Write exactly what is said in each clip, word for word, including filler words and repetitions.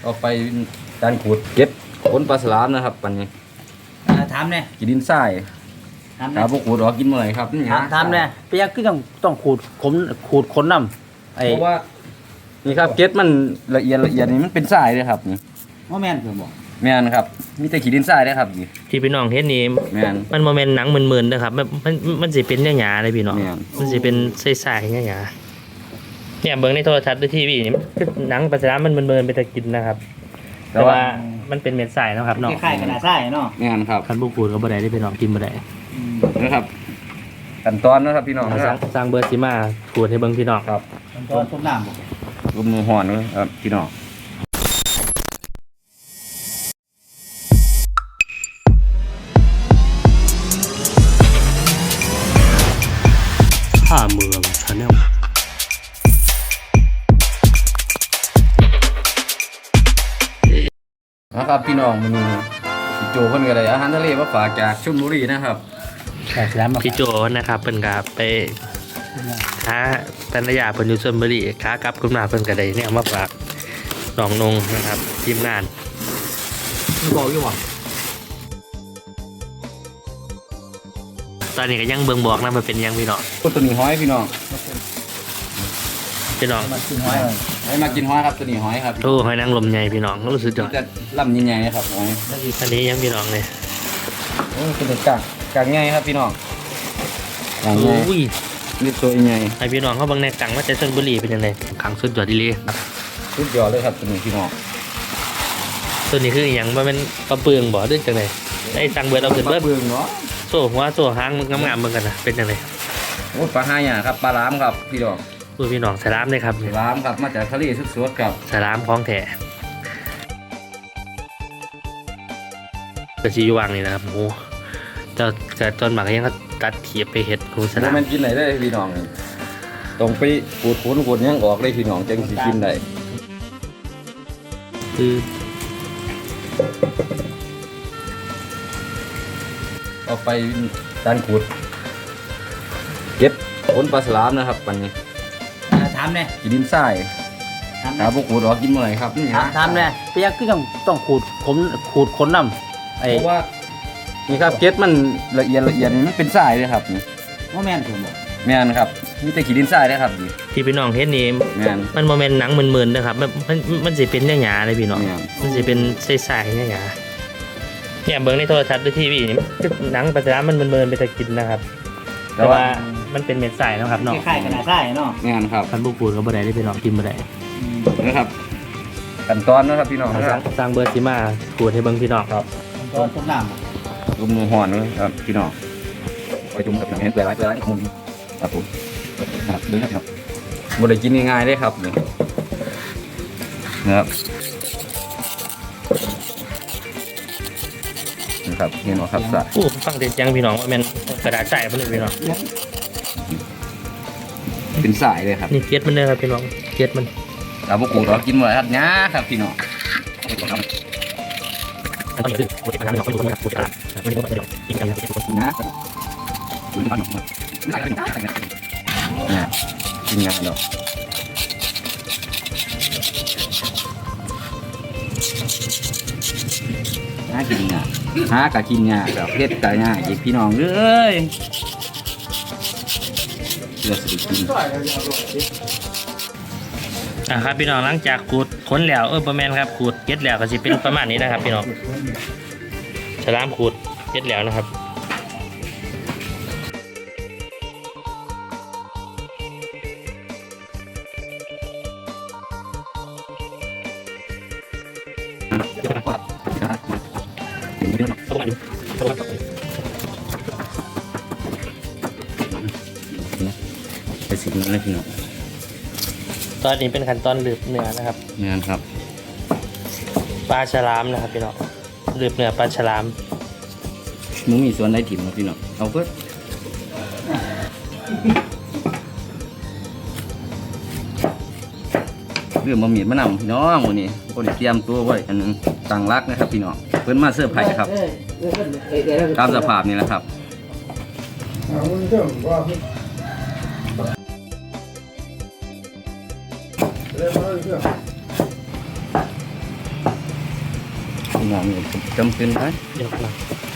เอาไปการขูดเก็บขนปลาสลามนะครับปันนี้ถามเนี่ยกินดินทรายถามพวกขูดออกกินเมื่อไหร่ครับถามถามเนี่ยพี่ยักษ์ก็ต้องต้องขูดขมขูดขนน้ำเพราะว่านี่ครับเก็บมันละเอียดละเอียดนี่มันเป็นทรายเลยครับนี่ว่าแม่นเพื่อนบอกแม่นครับมีแต่ขี้ดินทรายได้ครับนี่ที่พี่น้องเห็นนี่แม่นมันโมเมนต์หนังมึนๆนะครับมันมันมันสิเป็นหยาๆเลยพี่น้องมันสิเป็นใสๆหยาๆเนี่ยเบิ่งในโทรทัศน์ด้วยทีวีนี่คือหนังปลาสลามมันมึนๆไปแต่กินนะครับแต่ว่ามันเป็นเม็ดทรายนะครับเนาะคล้ายๆกระดาษทรายเนาะแม่นครับคันบุกขูดก็บ่ได้ได้พี่น้องกินบ่ได้นะครับขั้นตอนนะครับพี่น้องครับสร้างเบอร์สิมาขูดให้เบิ่งพี่น้องครับขั้นตอนต้มน้ำบ่ลมมือห่อนครับพี่น้องท่าเมืองชาแนลนะครับพี่น้องมันมีพี่โจเพิ่นก็ได้อาหารทะเลมาฝากจากชลบุรีนะครับพี่โจนะครับเพิ่นก็ไปหาภรรยาเพิ่นอยู่ชลบุรีค้ากลับขึ้นมาเพิ่นก็ได้เนี่ยมาฝากน้องนงนะครับทีมงานบอกอยู่ว่าตอนนี้ก็ยังเบิ่งบอกนะมันเป็นยังพี่น้องตัวนี้ห้อยพี่น้องพี่น้องมากินห้อยให้มากินห้อยครับตัวนี้ห้อยครับโอ้หอยนางรมใหญ่พี่น้องรู้สึกจังจะลำใหญ่ๆครับห้อยอันนี้ยังพี่น้องเลยโอ้เป็นกากกากใหญ่ครับพี่น้องโอ้ยนี่ตัวใหญ่ไอพี่น้องเขาบางในกังว่าจะชลบุรีเป็นยังไงขังสุดยอดดีเลยสุดยอดเลยครับตัวนี้พี่น้องตัวนี้คืออย่างมันเป็นปลาเปลืองบ่ด้วยจังไงไอ้ตังเบิร์ดเอาขึ้นเบิร์ดเปลืองเนาะโซ่หัวโซ่หางมันงามๆเหมือนกันนะเป็นยังไงโอ้ปลาห้าอย่างครับปลาล้ามครับพี่น้องตัวพี่น้องสลามเลยครับสลามครับมาจากทะเลสดๆครับสลามของแท้กระชีวางนี่นะครับโอ้เจ้าเกิดจนหมากยังเขาตัดเขียบไปเห็ดคูสลามมันกินไหนได้พี่น้องต้องไปขูดขูดขูดยังออกได้พี่น้องจังสิกินได้คือเอาไปการขูดเก็บขนปลาสลามนะครับปันนี้ถามเนี่ยกินดินทรายถามพวกขูดออกกินเมื่อไหร่ครับนี่ถามเนี่ยพี่ยักษ์ก็ต้องต้องขูดขมขูดขนน้ำเพราะว่านี่ครับเก็บมันละเอียดละเอียดมันเป็นทรายเลยครับนี่ว่าแม่นถูกบอกแม่นครับมีแต่ขี้ดินทรายได้ครับที่พี่น้องเห็นนี่แม่นมันโมเมนต์หนังมึนๆนะครับมันมันมันสิเป็นหยาๆเลยพี่น้องมันสิเป็นใสๆหยาๆเนี่ยเบิ่งในโทรทัศน์ด้วยทีวีนี่คือหนังปลาสลามมันมึนๆไปแต่กินนะครับแต่ว่ามันเป็นเม็ดทรายนะครับเนาะคล้ายๆกระดาษทรายเนาะแม่นครับคันบุกขูดก็บ่ได้ได้พี่น้องกินบ่ได้นะครับขั้นตอนนะครับพี่น้องสร้างเบอร์สิมาขูดให้เบิ่งพี่น้องครับตอนต้มน้ำลมมือห่อนครับพี่น้องไปจุ่มกับน้ำเปลือยไว้เปลือยไว้มุมครับผมครับดูนะครับบ่ได้กินง่ายๆได้ครับนี่นะครับนะครับเห็นไหมครับสะโอ้ฟังเด็ดยังพี่น้องว่ามันกระดาษใสมันเลยพี่น้องเป็นสายเลยครับนี่เกล็ดมันเลยครับพี่น้องเกล็ดมันเราพวกกูเรากินหมดครับน้าครับพี่น้องอันนี้คือโปรตีนน้ำหนองไม่รู้ว่าโปรตีนอะไรไม่รู้ว่าเดี๋ยวกินกันนะกินกันหนองเนี่ยกินงานเนาะหากินงานหากะกินงานกับเพชรกะงานอีกพี่น้องเลยเลือดสิกินอ่ะครับพี่น้องหลังจากขูดขนแล้วเออประมาณครับขูดเก็ดแล้วก็จะเป็นประมาณนี้นะครับพี่น้องฉลามขูดเก็ดแล้วนะครับไปสิบนาทีพี่น้องตอนนี้เป็นขั้นตอนหลืบเนื้อนะครับนี่ครับปลาฉลามนะครับพี่น้องหลืบเนื้อปลาฉลามมึงมีส่วนไหนถิ่มนะพี่น้องเอาเพิ่มเรื่องบะหมี่มะนาวพี่น้องวันนี้คนเตรียมตัวไว้อันนึงต่างรักนะครับพี่น้องเพิ่นมาเสื้อไผ่ครับตามสภาพนี่แหละครับพี่น้องนี่จำเป็นไปเดี๋ยวนะ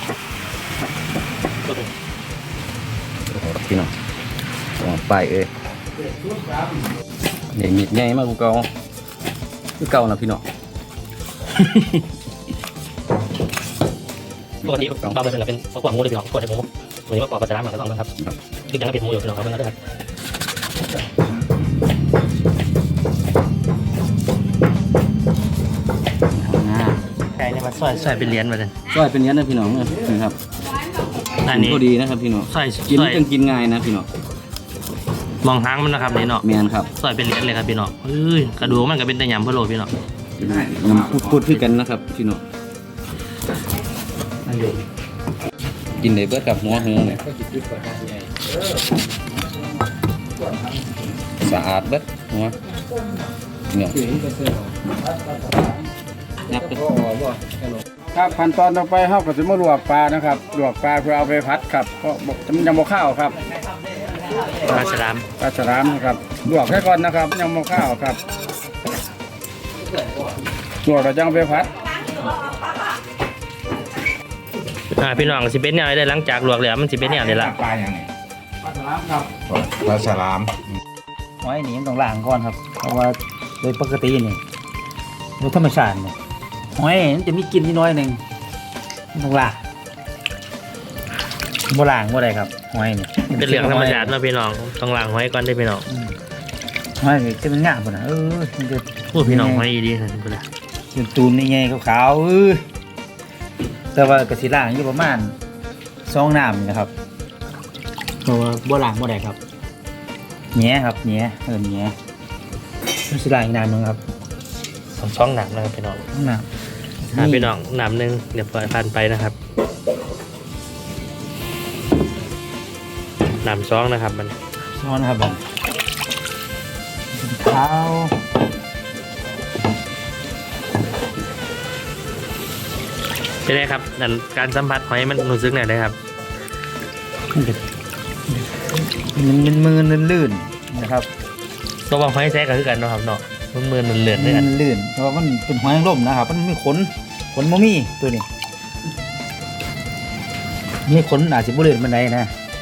พี่น้องออกไปเอ้ยนี่มีดใหญ่มากกูเก่ากูเก่านะพี่น้องปกติบางเป็นเป็นข้าวกวางงูเลยพี่น้องกวางในหมูวันนี้มากกว่าปลาฉลามก็ต้องนะครับคือยังเป็นหมูอยู่พี่น้องครับเพื่อนนะครับใช่เนี่ยมาซอยซอยเป็นเหรียญมาเลยซอยเป็นเนี้ยนะพี่น้องนี่ครับอันนี้ก็ดีนะครับพี่น้องซอยกินซอยจังกินง่ายนะพี่น้องมองหางมันนะครับนี่เนาะแมนครับซอยเป็นเหรียญเลยครับพี่น้องเอ้ยกระดูกมันก็เป็นแต่ยำพะโล้พี่น้องน้ำพูดพูดคือกันนะครับพี่น้องกินได้เบิดกับหัวหงเนี่ยสะอาดเบิดหัวเนี่ยนับไปครับขั้นตอนต่อไปเฮาก็สิมาลวกปลานะครับลวกปลาเพื่อเอาไปผัดครับเพราะมันยังบ่ข้าวครับปลาฉลามปลาฉลามนะครับลวกแค่ก่อนนะครับยังบ่ข้าวครับลวกแล้วจังเอาไปผัดอ่าพี่น้องสิเป็นแนวได้หลังจากลวกแล้วมันสิเป็นแนวนี้ละปลาอย่างไงปลาฉลามครับปลาฉลามหอยนี่มันต้องล้างก่อนครับ เพราะว่าโดยปกตินี่โดยธรรมชาติเนี่ยหอยมันจะมีกลิ่นนิดน้อยหนึ่งมันต้องล้างบ่ล้างบ่ได้ครับหอยนี่เป็นเรื่องธรรมชาติเนาะพี่น้องต้องล้างหอยก่อนได้พี่น้องอืมหอยนี่จะเป็นงามพุ่นน่ะเออมันจะพูดพี่น้องหอยดีนะพี่น้องเป็นตูนนี่ไงขาวๆเออแต่ว่ากระสีล่างอยู่ประมาณสองน้ำนี่นะครับเพราะว่าบ่ล้างบ่ได้ครับแหน่ครับแหน่เออแหน่กระสีล่างอีกน้ำหนึงครับสองช่องหนักนะครับพี่น้องน้ำอ่าพี่น้องหนำหนึ่งเดี๋ยวปล่อยผ่านไปนะครับหนำซองนะครับมันซ้อนนะครับผมขาวเป็นไงครับนั่นการสัมผัสหอยมันรู้สึกไหนได้ครับมันจะมันมันมือลื่นๆนะครับตัวบางหอยแท้ก็คือกันเนาะครับเนาะมันมือมันเลื่อนมัด้วยกันนลื่นเพราะว่ามันเป็นหอยนางรมนะครับ มันมีขนขนโมมี่ตัวนี้มีขนอาจจะบ่ลื่นมันไดนะ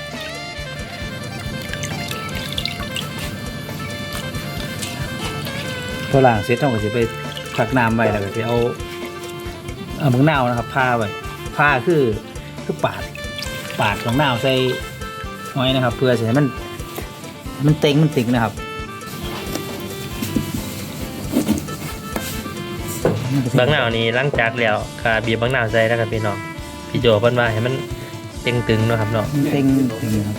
พอล้างเสร็จเราก็จะไปผักน้ำไว้แล้วก็จะเอาเอามะนาวนะครับผ้าไว้ผ้าคือคือปาดปาดของนาวใส่หอยนะครับ เพื่อจะให้มันมันเต็งมันติ่งนะครับบางหนาวนี้หลังจากแล้วก็บีบบางหนาวใส่แล้วครับพี่น้องพี่โจเพิ่นว่าให้มันเต็งตึงเนาะครับเนาะมันเต็งติ่งนะครับ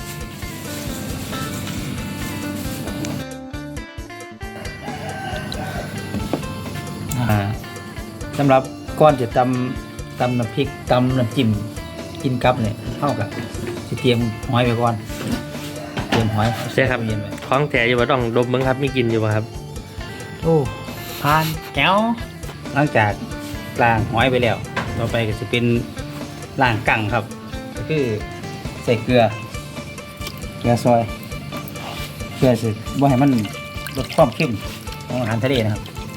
อ่าสำหรับก้อนจะตำตำน้ำพริกตำน้ำจิ้มกินกับเนี่ยเท่ากับจะเตรียมหอยไปก่อนเตรียมหอยใช่ครับเย็นไว้ของแท้อยู่บ่ต้องดมมึงครับมีกลินอยู่บ่ครับโอ้ผ่านแก้วหลังจากล้างหอยไปแล้ว ต่อไปก็จะเป็นล้างกั่งครับ ก็คือใส่เกลือเกลือซอยเพื่อสิบ่ให้มันลดความเข้มของอาหารทะเลนะครับ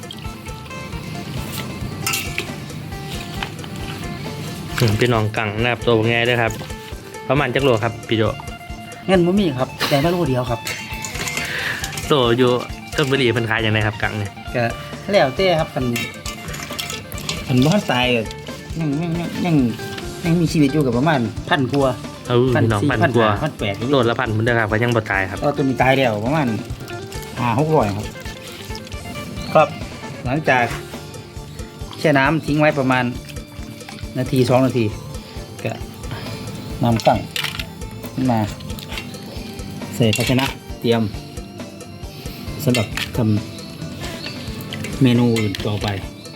อืมพี่น้องกังนะครับตัวง่ายด้วยครับประมาณจักโลครับพี่โจเงินบ่มีครับแต่มาโลเดียวครับโตอยู่ต้นบุรีเพิ่นขายอย่างไรครับกังเนี่ยก็แล้วแต่ครับกันมันบ่ทันตายก็ยังยังยังยังยังมีชีวิตอยู่กับประมาณพันกว่าเออพี่น้องพันกว่าพันแปดโลละพันเหมือนเดิมครับก็ยังบ่ตายครับก็ตัวนี้ตายแล้วประมาณห้าหกร้อยครับครับหลังจากแช่น้ำทิ้งไว้ประมาณนาทีสองนาทีก็นำตั้งขึ้นมาใส่ภาชนะเตรียมสำหรับทำเมนูอื่นต่อไป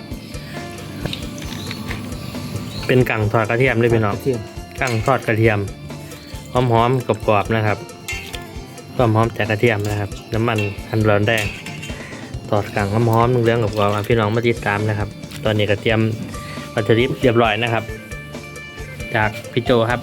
เป็นกังทอดกระเทียมเลยพี่น้องกระเทียมกังทอดกระเทียมหอมหอมๆกรอบๆนะครับความหอมจากกระเทียมนะครับ น้ำมันหันร้อนแดงทอดกังหอมหอมๆเรื่องๆกรอบๆอ่ะพี่น้องมาติดตามนะครับ ตอนนี้กระเทียมวัตถุดิบเรียบร้อยนะครับ จากพี่โจครับ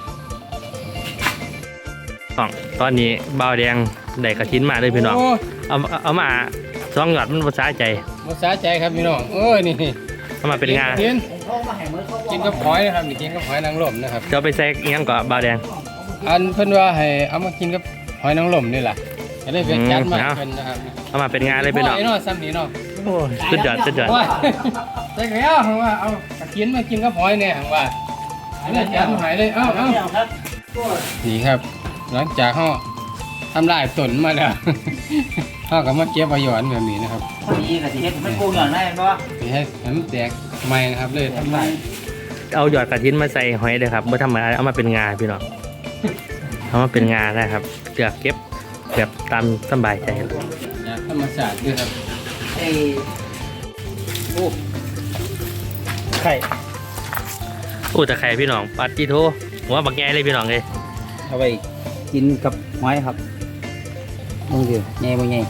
ต้องตอนนี้เบาวแดงได้กระทิ้นมาเลยพี่น้องโอ้เอาเอามาสองหยอดมันภาษาใจภาษาใจครับพี่น้องเอ้ยนี่เอามาเป็นงากินกินกับหอยนะครับนี่กินกับหอยนางรมนะครับจะเอาไปใส่อิหยังก่อนบาวแดงอันเพิ่นว่าให้เอามากินกับหอยนางรมนี่แหละจะได้เป็นจัดมาอืมเพิ่นนะครับเอามาเป็นงาเลยพี่น้องโอ้ยเนาะซ้ำนี่เนาะโอ้ยสุดยอดสุดยอดโอ้ยแต่แล้วว่าเอากระเทียมมากินกับหอยเนี่ยว่าอันนี้จัดมาให้เลยเอ้าเอ้านี่ครับ หลังจากเฮาทำลายต้นมาแล้ว เฮาก็มาเก็บเอาหยอนแบบนี้นะครับพอดีกับสิเฮ็ดมันปรุงหย่อนได้บ่สิให้ให้มันแตกใหม่นะครับเลยทำลายเอาหยอดกระถินมาใส่หอยเลยครับไม่ทำอะไรเอามาเป็นงาพี่น้องเอามาเป็นงาได้ครับเลือกเก็บแบบตามสบายใจเลยจากธรรมชาติด้วยครับไอ้โอ้ไข่โอ้แต่ไข่พี่น้องปัดจีโทหัวบักแง่เลยพี่น้องเลยเอาไปกินกับหอยครับมึงดิใหญ่บ่ใหญ่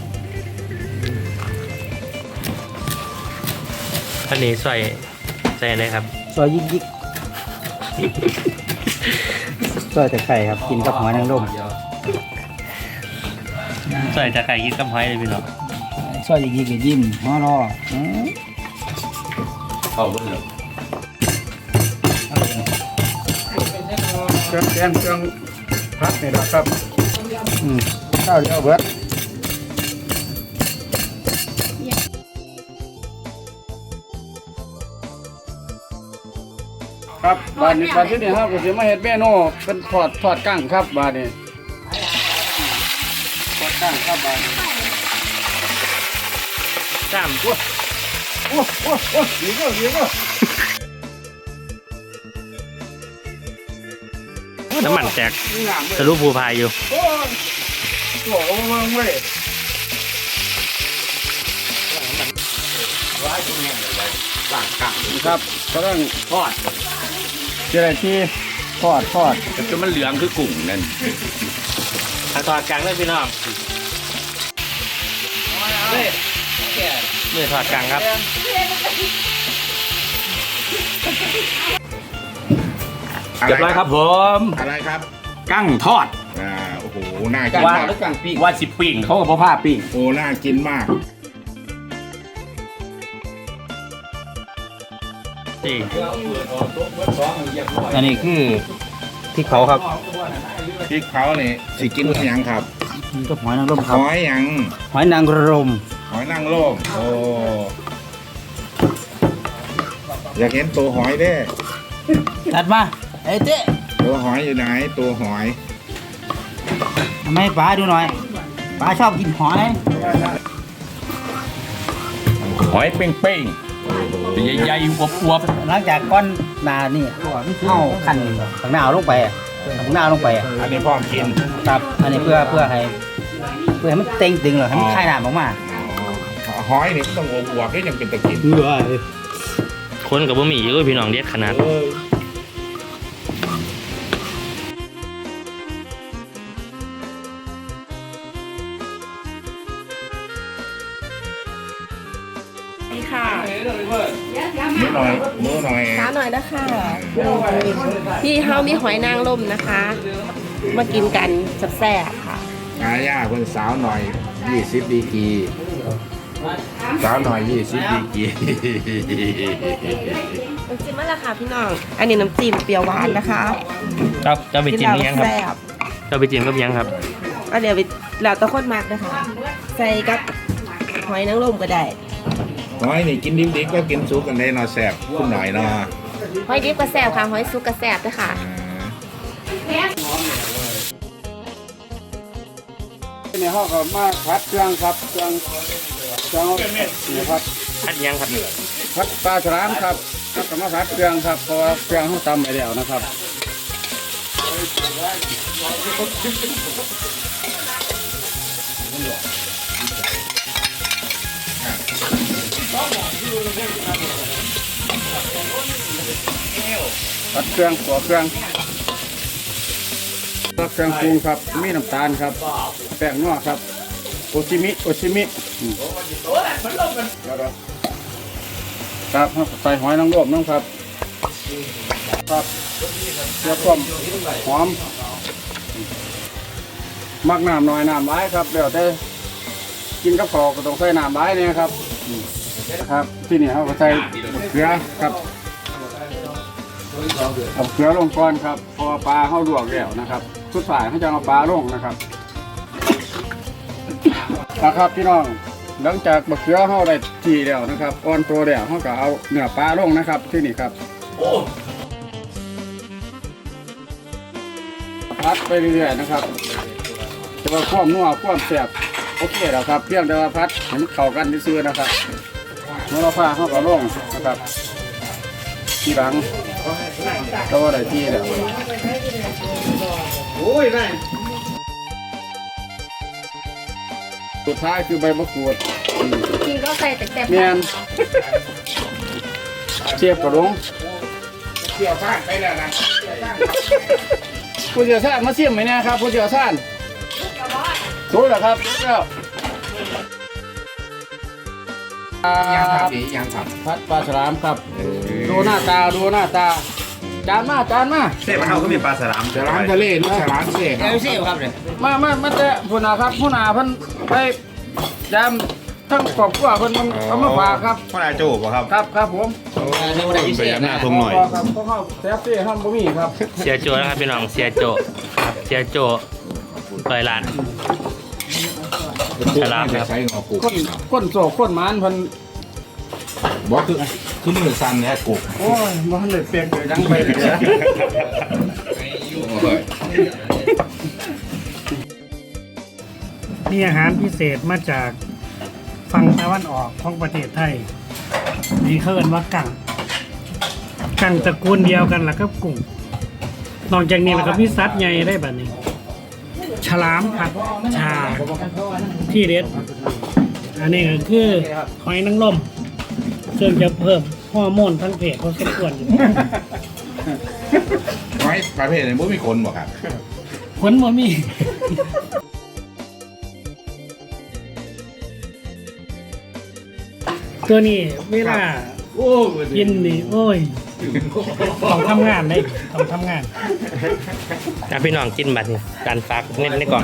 อันนี้ใส่ใส่อะไรครับซอยยิกยิกซอยแต่ไข่ครับกินกับหอยนางรมใส่จะไข่กินกับหอยเลยพี่น้องซอยยิกยิกกับยิ้มหัวรออืมเข้าเบิ่งแล้วเครื่องแกงเครื่องพัดนี่นะครับอืมข้าวเดียวเบิดครับบาดนี้บาดที่นี่ครับก็สิมาเฮ็ดเมนูเป็นทอดทอดกั้งครับบาดนี้ทอดกั้งครับบาดนี้สามโอ้โอ้โอ้ดีก็ดีก็น้ำมันแตกงามเลยทะลุภูพายอยู่โอ้ยโอ้โหเมืองเว้ยครับกำลังทอดเจริญที่ทอดทอดแต่จนมันเหลืองคือกุ้งนั่นทางตอนกลางเลยพี่น้องมือถอดกลางครับเรียบร้อยครับผมอะไรครับกั้งทอดอ่า โอ้โห น่ากินว่ามากแล้วกั้งปิ้งว่าสิปิ้งเขาก็บ่พาปิ้งโอ้ น่ากินมากสี่อันนี้คือพริกเผาครับพริกเผาเนี่ยสิกินกับหยังครับกินกับหอยนางรมคหรับอยหยังหอยนางรมหอยนางรมโอ้ อยากเห็นตัวหอยเด้จัดมาไอ้เจ๊ตัวหอยอยู่ไหน ตัวหอยทำให้ป้าดูหน่อยป้าชอบกินหอยหอยเป้งๆใหญ่ๆอวบหลังจากก้อนนานี่เข้าขั้นข้างหน้าเอาลงไปอะข้างหน้าเอาลงไปอะอันนี้พร้อมกินครับอันนี้เพื่อเพื่อให้เพื่อให้มันเต็งตึงเหรอให้มันคลายน้ำออกมาอ๋อหอยนี่ต้องอวบๆด้วยยังเป็นตะกินเบื่อคนกับบะหมี่อยู่พี่น้องเด็ดขนาดเออนี่ค่ะนิดหน่อยมือหน่อยช้าหน่อยนะคะพี่เฮามีหอยนางรมนะคะ มากินกันแซ่บๆค่ะอาย่าเพิ่นสาวหน่อยยี่สิบดีกรีสาวหน่อยยี่สิบดีกรีน้ำจิ้มมาแล้วค่ะพี่น้อง อันนี้น้ำจิ้มเปรี้ยวหวานนะคะครับจะไปจิ้มที่ยังครับแซ่บจะไปจิ้มกับยังครับอันเดี๋ยวไปแล้วแตะคนมากนะคะ ใส่กับหอยนางรมก็ได้หอยนี่กินดิบๆก็กินสุกกันได้เนาะแซ่บคุณหน่อยเนาะหอยดิบก็แซ่บค่ะ หอยซุกก็แซ่บด้วยค่ะในห้องก็มาพัดเครื่องครับเครื่องเครื่องนี่ครับพัดยังครับพัดปลาฉลามครับแล้วก็มาพัดเครื่องครับเพราะว่าเครื่องเขาตำไปแล้วนะครับพัดเครื่องตัวเครื่องเครื่องปรุงครับมีน้ำตาลครับแป้งนัวครับโอชิมิโอชิมิอืมครับใส่หอยนางรมน้ำครับครับเพื่อความหอมมักน้ำหน่อยน้ำร้ายครับเดี๋ยวแต่กินกับข้าวก็ต้องใส่น้ำร้ายเนี่ยครับอืมครับที่นี่เขาก็ใส่เกลือครับเอาเกลือลงก่อนครับเพราะว่าปลาเขาลวกแล้วนะครับสุดท้ายเขาจะเอาปลาลงนะครับนะครับพี่น้องหลังจากบะเขือเขาได้ทีแล้วนะครับอ่อนตัวแล้วเขาก็เอาเนื้อปลาลงนะครับที่นี่ครับพัดไปเรื่อยๆนะครับจะว่าความนัวความแซ่บโอเคแล้วครับเพียงแต่ว่าพัดให้มันเข้ากันซื่อๆนะครับเมื่อเราพาเขาก็ลงนะครับทีหลังก็ว่าได้ที่แล้วโอ้ยได้สุดท้ายคือใบมะกรูดกินก็ใส่แต่แต่เมียนเชียบกระดงเกี่ยวข้างไปแล้วนะผู้เชี่ยวชาญมาเสี่ยมไหมเนี่ยครับผู้เชี่ยวชาญรู้แล้วครับรู้แล้วอ่ายังทำดียังทพัดปลาฉลามครับ ดูหน้าตาดูหน้าตา จานมาจานมาเส้นมันเขาก็มีปลาสลามำฉลามทะเลลูกฉลามเสกมามามาแต่ผู้นาครับผู้นาเพิ่นไปยามทั้งครอบครัวเพิ่นเอามาฝากครับพ่อนาโจ้ป่ะครับครับครับผมไปยับหน้าทงหน่อยครับเพราะเขาแซ่บซี่ห้ามบ่มีครับเสียโจนะครับพี่น้องเสียโจครับเสียโจเปิดร้านฉลามครับใช้งอกุกคนคนโศกคนหมานเพิ่นบอกคือคือมือสั่นเนี่ยกุกโอ้ยบ่ทันได้เปลี่ยนเลยยังไปเลยนะมีอาหารพิเศษมาจากฝั่งตะวันออกของประเทศไทยนี่เขาเอิ้นว่ากั่งกั่งตระกูลเดียวกันล่ะครับกุ้งนอกจากนี้แล้วก็มีสัตว์ใหญ่ได้แบบนี้ ฉลามผัดชาที่เด็ด อันนี้ก็คือหอยนางรมซึ่งจะเพิ่มฮอร์โมนทั้งเพศพอสมควรอยู่ไว้ประเภทไหนบ่มีคนบอกครับผลบ่มี ตัวนี้เวลากินนี่โอ้ยต้องทำงานเลยต้องทำงานอ่ะพี่น้องกินบัตรนี่การฝากเน้นในกล่อง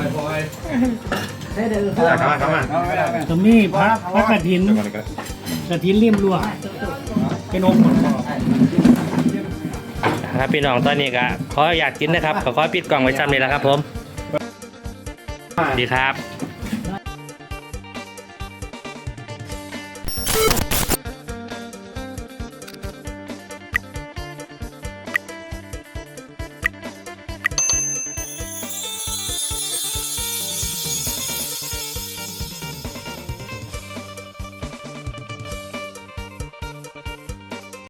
เข้ามาเข้ามาก็มีพระพระกฐินกฐินริมรั้วเป็นองค์ประกอบครับพี่น้องตอนนี้ก็ขออยากกินนะครับขอขอปิดกล่องไว้ซ้ำนี่แหละครับผมสวัสดีครับ